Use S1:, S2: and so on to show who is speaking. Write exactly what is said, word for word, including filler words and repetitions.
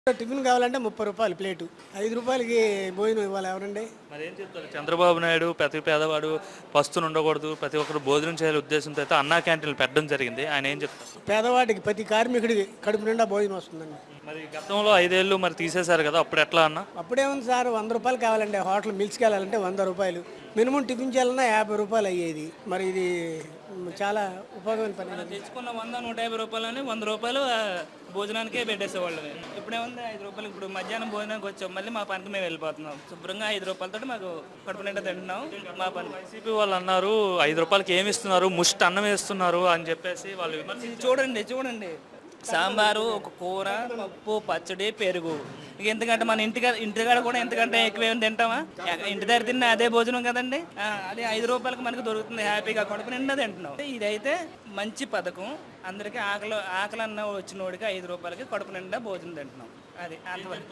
S1: Tiffin కావాలంటే ముప్పై రూపాయలు ప్లేటు. ఐదు రూపాయలకి భోజనం ఇవ్వాలి ఎవరండి?
S2: మరేం చెప్తారు? చంద్రబాబు నాయుడు ప్రతి పేదవాడు పస్తులు ఉండకూడదు, ప్రతి ఒక్కరు భోజనం చేయాలి ఉద్దేశంతో అయితే అన్నా క్యాంటీన్లు పెట్టడం జరిగింది. ఆయన ఏం చెప్తారు?
S1: పేదవాడికి ప్రతి కార్మికుడికి కడుపు నిండా భోజనం వస్తుందండి.
S2: మరి గతంలో ఐదేళ్ళు మరి తీసేశారు కదా, అప్పుడు ఎట్లా అన్న?
S1: అప్పుడేముంది సార్, వంద రూపాయలు కావాలండి. హోటల్ మిల్స్కి వెళ్ళాలంటే వంద రూపాయలు, మినిమం టిఫిన్ చేయాలన్నా యాభై రూపాయలు అయ్యేది. మరి ఇది చాలా ఉపయోగమైన పని.
S3: తెచ్చుకున్న వంద నూట యాభై రూపాయలని వంద రూపాయలు ఆ, భోజనానికే పెట్టేసేవాళ్ళు. ఇప్పుడేముంది ఐదు రూపాయలు. ఇప్పుడు మధ్యాహ్నం భోజనానికి వచ్చాం, మళ్ళీ మా పనికి మేము వెళ్ళిపోతున్నాం. శుభ్రంగా ఐదు రూపాయలతో మాకు కడుపు నిండా తింటున్నాం మా పని.
S2: వైసీపీ వాళ్ళు అన్నారు ఐదు రూపాయలకి ఏమి ఇస్తున్నారు, ముష్టి అన్నం వేస్తున్నారు అని చెప్పేసి వాళ్ళు విమర్శ-
S3: ఇది చూడండి చూడండి సాంబారు, ఒక కూర, పప్పు, పచ్చడి, పెరుగు. ఇక ఎందుకంటే మన ఇంటికి ఇంటికాడ కూడా ఎంతకంటే ఎక్కువ ఏమి తింటామా? ఎక్క- ఇంటి దగ్గర తిన్న అదే భోజనం కదండి. ఆ, అదే ఐదు రూపాయలకి మనకు దొరుకుతుంది, హ్యాపీగా కడుపు నిండా తింటున్నాం. ఇదైతే మంచి పథకం. అందరికీ ఆకలి ఆకలి అన్న వచ్చిన వాడికి ఐదు రూపాయలకి కడుపు నిండా భోజనం తింటున్నాం. అది అంతవరకు.